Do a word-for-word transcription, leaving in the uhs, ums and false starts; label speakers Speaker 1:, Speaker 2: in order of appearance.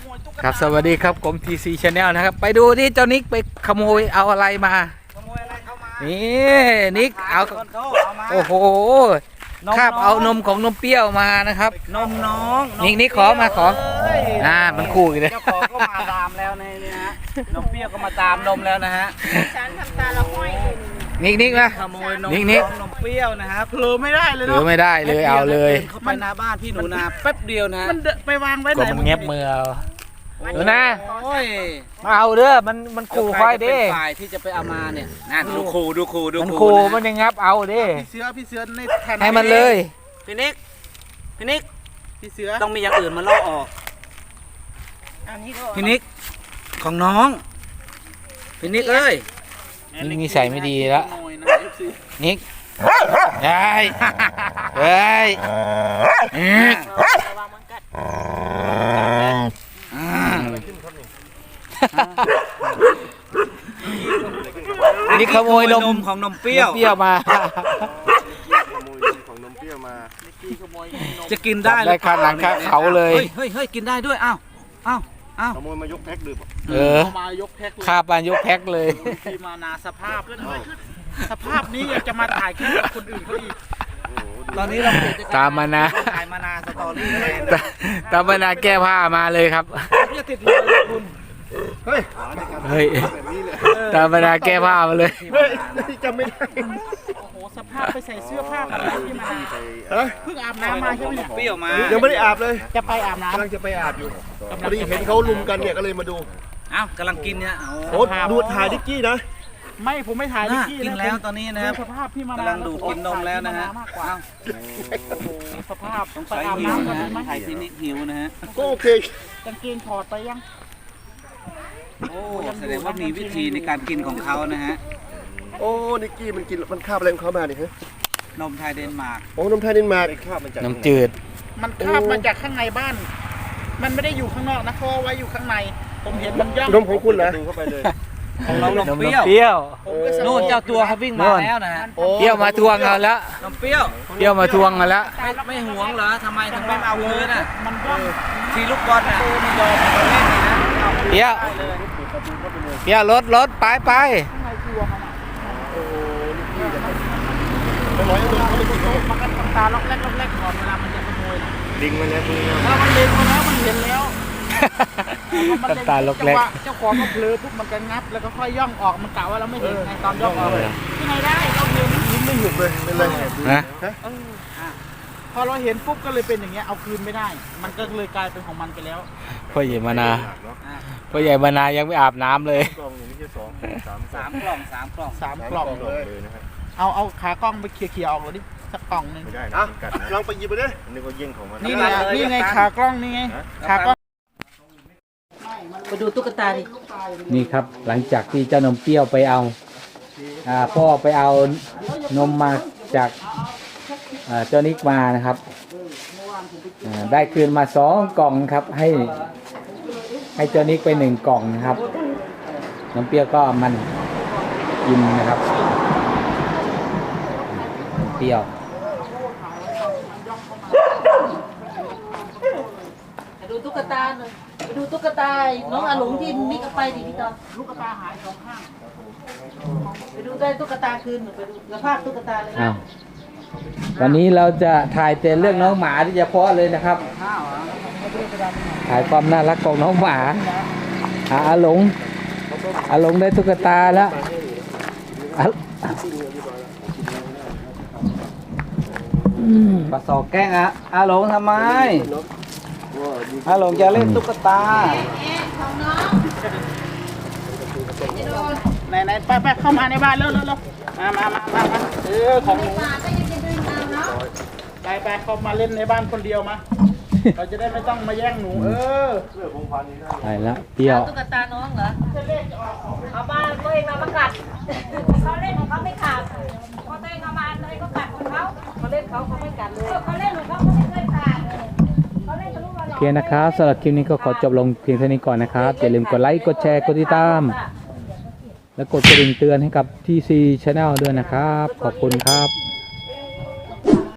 Speaker 1: ครับสวัสดีครับผม ที ซี Channel นะครับไปดูที่เจ้านิกไปขโมยเอาอะไรมา
Speaker 2: ขโมยอะไรเข้ามา
Speaker 1: นี่นิกเอาโอ้โหคาบเอานมของนมเปรี้ยวมานะครับ
Speaker 2: นมน้อง
Speaker 1: นิกนิกขอมาขออ่ามันคู่กันเลย
Speaker 2: เจ้าของก็มาตามแล้วในนี้ฮะนมเปรี้ยวก็มาตามนมแล้วนะฮะ
Speaker 3: ฉันทำตาละห้อย
Speaker 1: นิกนิกนะ
Speaker 2: ขโมยนม
Speaker 1: นิกนิก
Speaker 2: นมเปรี้ยวนะครับเผลอไม่ได้เลย
Speaker 1: เนาะเผลอไม่ได้เลยเอาเลย
Speaker 2: เข้าไปหน้าบ้านพี่หนูนาแป๊บเดียวนะ
Speaker 3: มันไปวางไว้ไหน
Speaker 1: มันเงียบมือเอาหนูนา
Speaker 2: มา
Speaker 1: เอาเด้อมันมันขู่ค่อยเด้
Speaker 2: ฝ่ายที่จะไปเอามาเนี่ยนั่นดูขู่ดูขู่ดู
Speaker 1: มันขู่มันยังงับเอาเด้
Speaker 2: พี่เสือพี่เสือในแทน
Speaker 1: ให้มันเลย
Speaker 2: พี่นิกพี่นิกพี่เสือต้องมีอย่างอื่นมาล่อออกพี่นิกของน้องพี่นิกเอ้ย
Speaker 1: นิกนิสัยไม่ดีแล้วนิกได้เฮ้ยนี่ขโมยนม
Speaker 2: ของนมเปรี้ยว
Speaker 1: เปรี้ยวมา
Speaker 4: ของนมเปรี้ยวมา
Speaker 2: จะกินได้
Speaker 1: ได้ข้าหลังข้าเขาเลย
Speaker 2: เฮ้ยเฮ้ยกินได้ด้วยอ้าวอ้าวอ้าว
Speaker 4: ขโมยมายกแพ็คดื่ม
Speaker 1: เออ
Speaker 2: มายกแพ็ค
Speaker 1: ข้าปานยกแพ็คเลย
Speaker 2: ที่มานาสภาพสภาพนี้อยากจะมาถ่ายคลิปคนอื่นเขาอีกตอนนี้เรา
Speaker 1: ตามมานะ
Speaker 2: ถ่ายมานาสตอรี่
Speaker 1: ตามมานะแก้ผ้ามาเลยครับ
Speaker 2: จะติดเลยคุณ
Speaker 4: เฮ้ย
Speaker 1: เฮ้ยตามมานะแก้ผ้ามาเลย
Speaker 4: เฮ้ยจำไม่ได้
Speaker 3: โอ้โหสภาพไปใส่เสื้อผ้าอะไรที่มาเพิ่งอาบน้ำมาใช่ไหม
Speaker 2: เปรี้ยวมา
Speaker 4: ยังไม่ได้อาบเลย
Speaker 3: จะไปอาบน้ำ
Speaker 4: กำลังจะไปอาบอยู่พอดีเห็นเขาลุมกันเนี่ยก็เลยมาดู
Speaker 2: อ้าวกำลังกินเนี่ย
Speaker 4: โอ้ดูถ่ายดิกกี้นะ
Speaker 3: ไม่ผมไม่ถ่ายดิกกี้
Speaker 2: กินแล้วตอนนี้นะครับ
Speaker 3: สภาพพี่มาก
Speaker 2: ำลังดูกินนมแล้วนะฮะ
Speaker 3: สภาพ
Speaker 2: ต้องไปอาบน้ำกันไหมถ่ายที่นิกหิวนะฮะ
Speaker 4: ก็โอเค
Speaker 3: กางเกงถอดไปยัง
Speaker 2: โอ้แสดงว่ามีวิธีในการกินของเขานะฮะ
Speaker 4: โอ้นิกกี้มันกินมันคาบอะไรของเขามาเนี่ยฮะ
Speaker 2: นมไทยเดนมาร์ก
Speaker 4: โอ้นมไทยเดนมาร์กคาบมันจาก
Speaker 1: น้ำจืด
Speaker 3: มันคาบมาจากข้างในบ้านมันไม่ได้อยู่ข้างนอกนะเพราะไว้อยู่ข้างในผมเห็นมันย่อง
Speaker 4: นมของคุณเหรอดูเข้าไปเลย
Speaker 2: ของเรานมเปรี้ยวโน่นเจ้าตัวเขาวิ่งมาแล้วนะฮะ
Speaker 1: เปรี้ยวมาทวงเอาแล้ว
Speaker 2: นมเปรี้ยว
Speaker 1: เปรี้ยวมาทวงเอาแล้ว
Speaker 2: ไม่หวงเหรอทำไมถึงไม่เอาคืนอ่ะมันย่องทีลูกบอลน่ะมันยอมมาเล่นนี่นะ
Speaker 1: เปรี้ยวเปรี้ยวรถรถไปไป
Speaker 3: มันก็ทำตาล็อกแรกล็อกแรกก่อนเวลามันจะขโมย
Speaker 4: ลิงมันแล้ว
Speaker 3: ถ้ามันลิงมาแล้วมันเห็นแล้ว
Speaker 1: ตาตาล็อกแรก
Speaker 3: เจ้าของก็เผลอปุ๊บมันก็งับแล้วก็ค่อยย่องออกมันกะว่าเราไม่เห็นไงตอนย่องออกที่ไหนได้เราเห็น
Speaker 4: ยิ้มไม่หยุดเลยเป็นไร
Speaker 1: นะ
Speaker 3: พอเราเห็นปุ๊บก็เลยเป็นอย่างเงี้ยเอาคืนไม่ได้มันก็เลยกลายเป็นของมันไปแล้ว
Speaker 1: พ่อใหญ่มานาพ่อใหญ่มานายังไม่อาบน้ำเลย
Speaker 4: กล่องนี้แค่สองสาม
Speaker 2: สามกล่องสามกล่อง
Speaker 3: สามกล่องเลยนะครับเอาเอาขากล้องไปเคลียร์ๆออกเลยดิสักกล่องนึง
Speaker 4: ไม่ได้นะลองไปหยิบไปดินี่ก็ยิ่งของมัน
Speaker 3: นี่ไงนี่ไงขากล้องนี่ไงขากล้อง
Speaker 2: ไปดูตุ๊กตาดิ
Speaker 1: นี่ครับหลังจากที่เจ้านมเปรี้ยวไปเอาอ่าพ่อไปเอานมมาจากเจ้านิกมานะครับได้คืนมาสองกล่องครับให้ให้เจ้านิกไปหนึ่งกล่องนะครับนมเปรี้ยวก็มันกินนะครับนมเปรี้ยว
Speaker 3: ดูตุ๊กตาหน่อยไปดูตุ๊กตาน้องอาหลงที่นิกเอาไปดิพี่ตอนตุ๊กตาหายสองข้างไปดูได้ตุ๊กตาคืนไปดูสภาพตุ๊กตาเลยนะ
Speaker 1: วันนี้เราจะถ่ายแต่เรื่องน้องหมาที่เฉพาะเลยนะครับถ่ายความน่ารักของน้องหมาอาหลงอาหลงได้ตุ๊กตาแล้ว
Speaker 2: ปะสอกแกล้งอะอาหลงทำไมอาหลงจะเล่นตุ๊กตา
Speaker 3: ไหนไหนไปไปเข้ามาในบ้านเร็วเร็วมามามามามาเออของหนูไปไปเข้ามาเล่นในบ้านคนเดียวมาเราจะได้ไม่ต้องมาแย่งหนูเออ
Speaker 1: ไปละเปรี้ยว
Speaker 3: ตุ๊กตาน้องเหรอเขาบ้านตัวเองมาประกาศเขาเล่นของเขาไม่ขาดพอตัวเองเอามาตัวเองก็กัดของเขาเขาเล่นเขาเขาไม่กัดเลยเขาเล่นของเขาเขาไม่เคยขาด
Speaker 1: โอเคนะครับสำหรับคลิปนี้ก็ขอจบลงเพียงเท่านี้ก่อนนะครับอย่าลืมกดไลค์กดแชร์กดติดตามและกดกระดิ่งเตือนให้กับ ที ซี Channel ด้วยนะครับขอบคุณครับ